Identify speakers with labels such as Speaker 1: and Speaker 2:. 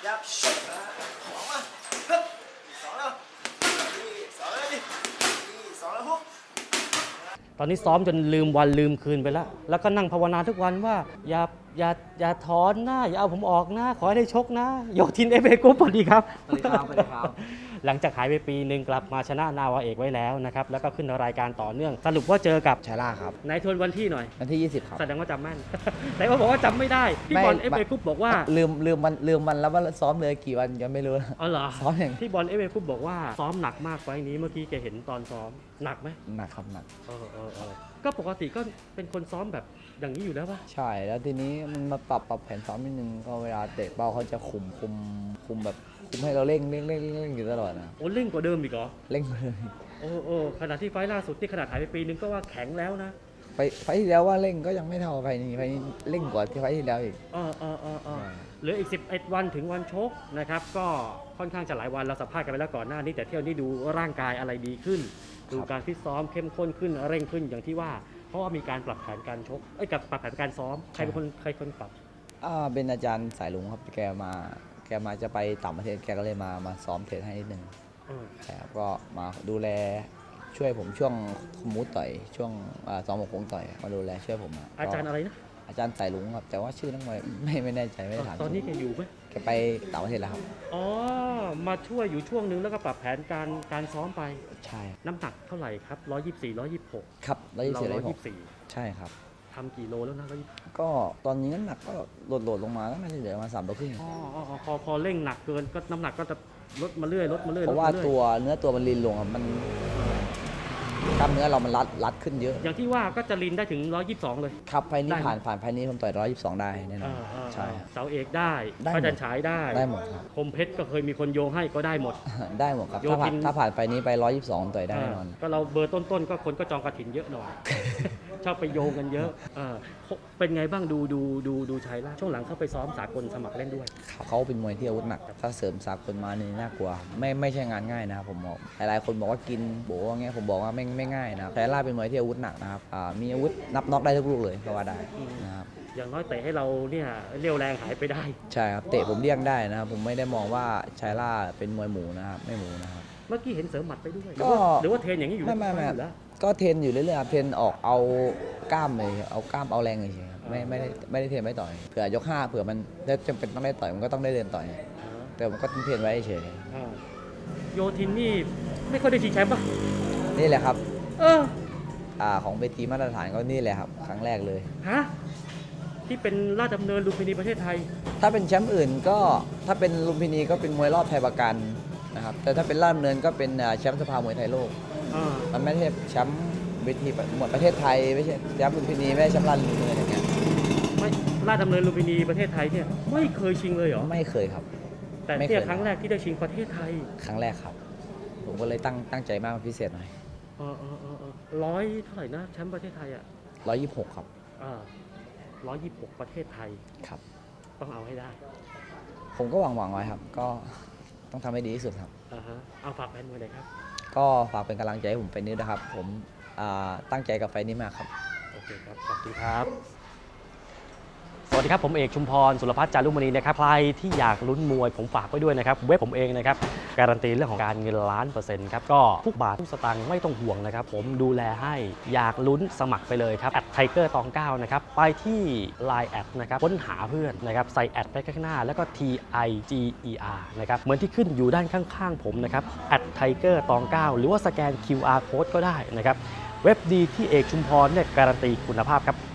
Speaker 1: ยับสองมาฮึบสองแล้วนี่สองแล้วดินี่สองแล้วฮุก
Speaker 2: ตอนนี้ซ้อมจนลืมวันลืมคืนไปแล้ว แล้วก็นั่งภาวนาทุกวันว่าอย่าถอนนะอย่าเอาผมออกนะขอให้ได้ชกนะโยทินFA Group สวัสดีครับ
Speaker 3: สวัสดีครับสวัสดีครับ
Speaker 2: หลังจากหายไปปีหนึ่งกลับมาชนะนาวาเอกไว้แล้วนะครับแล้วก็ขึ้นรายการต่อเนื่องสรุปว่าเจอกับ
Speaker 3: ชาล่าครับ
Speaker 2: นายทวนวันที่หน่อย
Speaker 3: วันที่ 20 ครับ
Speaker 2: แสดงว่าจำแม่น แต่ว่าบอกว่าจำไม่ได้พี่บอล FA Group บอกว่า
Speaker 3: ลืมวันแล้วว่าซ้อมเลยกี่วันยังไม่รู้
Speaker 2: อ๋อเหรอ
Speaker 3: ซ้อมอย่าง
Speaker 2: พี่บอลFA Group บอกว่าซ้อมหนักมากไฟล์นี้เมื่อกี้แกเห็นตอนซ้อมหนักไหม
Speaker 3: หนักครับหนัก
Speaker 2: เออก็ปกติก็เป็นคนซ้อมแบบอย่างนี้อยู่แล้วป่ะ
Speaker 3: ใช่แล้วทีนี้มันมาปรับแผนซ้อมนิดนึงก็เวลาเตะเป้าเขาจะคุมแบบคุมให้เราเร่งอยู่ตลอดนะ
Speaker 2: โอ้เร่งกว่าเดิมอีกเหรอ
Speaker 3: เร่งเลย
Speaker 2: โอ้ขณะที่ไฟล์ล่าสุดที่ขนาดหายไปปีนึงก็ว่าแข็งแล้วนะ
Speaker 3: ไฟที่แล้วว่าเร่งก็ยังไม่เท่าไฟนี้เร่งกว่าที่ไฟที่แล้วอีก
Speaker 2: เหลืออีก11วันถึงวันชกนะครับก็ค่อนข้างจะหลายวันเราสัมภาษณ์กันไปแล้วก่อนหน้านี้แต่เที่ยวนี้ดูร่างกายอะไรดีขึ้น ดูการฟิตซ้อมเข้มข้นขึ้นเร่งขึ้นอย่างที่ว่าเพราะว่ามีการปรับแผนการชกกับปรับแผนการซ้อมใครเป็นคนปรับ
Speaker 3: เป็นอาจารย์สายลุงครับแกมาจะไปต่างประเทศแกก็เลยมาซ้อมเทรนให้นิดนึงใช่ครับก็มาดูแลช่วยผมช่วงคุมมูต่อยช่วงซ้อมหมกคงต่อยมาดูแลช่วยผม
Speaker 2: อาจารย์อะไรนะ
Speaker 3: อาจารย์สายลุงครับแต่ว่าชื่อนักมวยไม่แน่ใจไม่ได้ถาม
Speaker 2: ตอนนี้แกอยู่ไหม
Speaker 3: แกไปต่างประเทศแล้วครับ
Speaker 2: อ๋อมาช่วยอยู่ช่วงนึงแล้วก็ปรับแผนการซ้อมไป
Speaker 3: ใช่
Speaker 2: น้ำหนักเท่าไหร่ครับ124 126
Speaker 3: ครับแล้วยี่สิบ
Speaker 2: เรา
Speaker 3: หกใช่ครับ
Speaker 2: ทำกี่โลแล้วนะ124
Speaker 3: ก็ตอนนี้น้ำหนักก็โหลดลงมาแล้วน่าจะเหลือมา3 โลครึ่ง
Speaker 2: พอเร่งหนักเกินก็น้ำหนักก็จะลดมาเรื่อย
Speaker 3: เพราะว่าเนื้อตัวมันลีนลงมันกล้ามเนื้อเรามันรัดขึ้นเยอะ
Speaker 2: อย่างที่ว่าก็จะลินได้ถึง122เลย
Speaker 3: ครับไฟนี้
Speaker 2: ได้ไหม
Speaker 3: ผ่านไฟนี้ผมต่อย122ได้แน่นอนใช่
Speaker 2: เสาเอกได้
Speaker 3: ได้หมด
Speaker 2: พระจันทร์ฉายได้
Speaker 3: ได้หมดครับ
Speaker 2: คมเพชรก็เคยมีคนโยงให้ก็ได้หมด
Speaker 3: ได้หมดครับ
Speaker 2: โยทิน
Speaker 3: ถ้าผ่านไฟนี้ไป122ต่อยได้แน่นอน
Speaker 2: ก็เราเบอร์ต้นๆก็คนก็จองกระถินเยอะหน่อย ชอบไปโยงกันเยอะเป็นไงบ้างดูชัยล่าช่วงหลังเข้าไปซ้อมสากลสมัครเล่นด้วย
Speaker 3: เขาเป็นมวยที่อาวุธหนัก ถ้าเสริมสากลมานี่น่ากลัว ไม่ใช่งานง่ายนะครับผมบอกหลายๆคนบอกว่ากินโบว่าเงี้ยผมบอกว่าไม่ง่ายนะครับแต่ล่าเป็นมวยที่อาวุธหนักนะครับมีอาวุธนับน็อกได้ทุกลูกเลยก็ว่าได้นะครับ
Speaker 2: อย่างน้อยเตะให้เราเนี่ยเรี่ยวแรงหายไปได้
Speaker 3: ใช่ครับเตะผมเลี่ยงได้นะครับผมไม่ได้มองว่าชายล่าเป็นมวยหมูนะครับไม่หมูนะครับ
Speaker 2: เมื่อกี้เห็นเสริมหมัดไปด้วย
Speaker 3: ก็
Speaker 2: หรือว่าเทรนอย่างนี้อยู่
Speaker 3: ไม่
Speaker 2: อยู่แล้ว
Speaker 3: ก็เทรนอยู่เรื่อยๆครับเทรนออกเอากล้ามเลยเอากล้ามเอาแรงเลยครับไม่ได้เทรนไว้ต่อยเผื่อยก5เผื่อมันถ้าจำเป็นต้องได้ต่อยมันก็ต้องได้เดินต่อยแต่ผมก็เทรนไว้เฉย
Speaker 2: โยทินนี่ไม่ค่อยได้ชิงแชมป์ป่ะ
Speaker 3: นี่แหละครับ
Speaker 2: เออ
Speaker 3: ของเวทีมาตรฐานก็นี่แหละครับครั้งแรกเลย
Speaker 2: ฮะที่เป็นราชดำเนินลุมพินีประเทศไทย
Speaker 3: ถ้าเป็นแชมป์อื่นก็ถ้าเป็นลุมพินีก็เป็นมวยรอบไทยประกันนะครับแต่ถ้าเป็นราชดำเนินก็เป็นแชมป์สภามวยไทยโลกมันไม่ใช่แชมป์เวทีหมดประเทศไทยไม่ใช่แชมป์ลุมพินีไม่ใช่แชมป์ราชดำเนินอย่างเงี้ย
Speaker 2: ไม่ราชดำเนินลุมพินีประเทศไทยเนี่ยไม่เคยชิงเลยเหรอ
Speaker 3: ไม่เคยครับ
Speaker 2: แต่
Speaker 3: ไม่เค
Speaker 2: เนี่ย ยครั้งแรกที่ได้ชิงประเทศไทย
Speaker 3: ครั้งแรกครับ ผมก็เลยตั้งใจมากเป็นพิเศษหน่อย
Speaker 2: ร้อยเท่าไหร่นะแชมป์ประเทศไทยอ่ะ
Speaker 3: 126ครับ
Speaker 2: 126ประเทศไทย
Speaker 3: ครับ
Speaker 2: ต้องเอาให้ได้
Speaker 3: ผมก็หวังไว้ครับ ก็ต้องทำให้ดีที่สุดครับ
Speaker 2: เอาฝากแฟนมวยหน่อยครับ
Speaker 3: ก็ฝากเป็นกำลังใจให้ผมไฟนี้นะครับ ผมตั้งใจกับไฟนี้มากครับ
Speaker 2: โอเคครับขอบคุณครับสวัสดีครับผมเอกชุมพรสุรพัฒน์จารุมณีนะครับใครที่อยากลุ้นมวยผมฝากไว้ด้วยนะครับเว็บผมเองนะครับการันตีเรื่องของการเงิน1,000,000%ครับก็ทุกบาททุกสตางค์ไม่ต้องห่วงนะครับผมดูแลให้อยากลุ้นสมัครไปเลยครับไทเกอร์ตอง9นะครับไปที่ Line แอดนะครับค้นหาเพื่อนนะครับใส่แอดไปข้างหน้าแล้วก็ TIGER นะครับเหมือนที่ขึ้นอยู่ด้านข้างๆผมนะครับไทเกอร์ตอง9หรือว่าสแกน QR Code ก็ได้นะครับเว็บดีที่เอกชุมพรเนี่ยการันตีคุณภาพครับ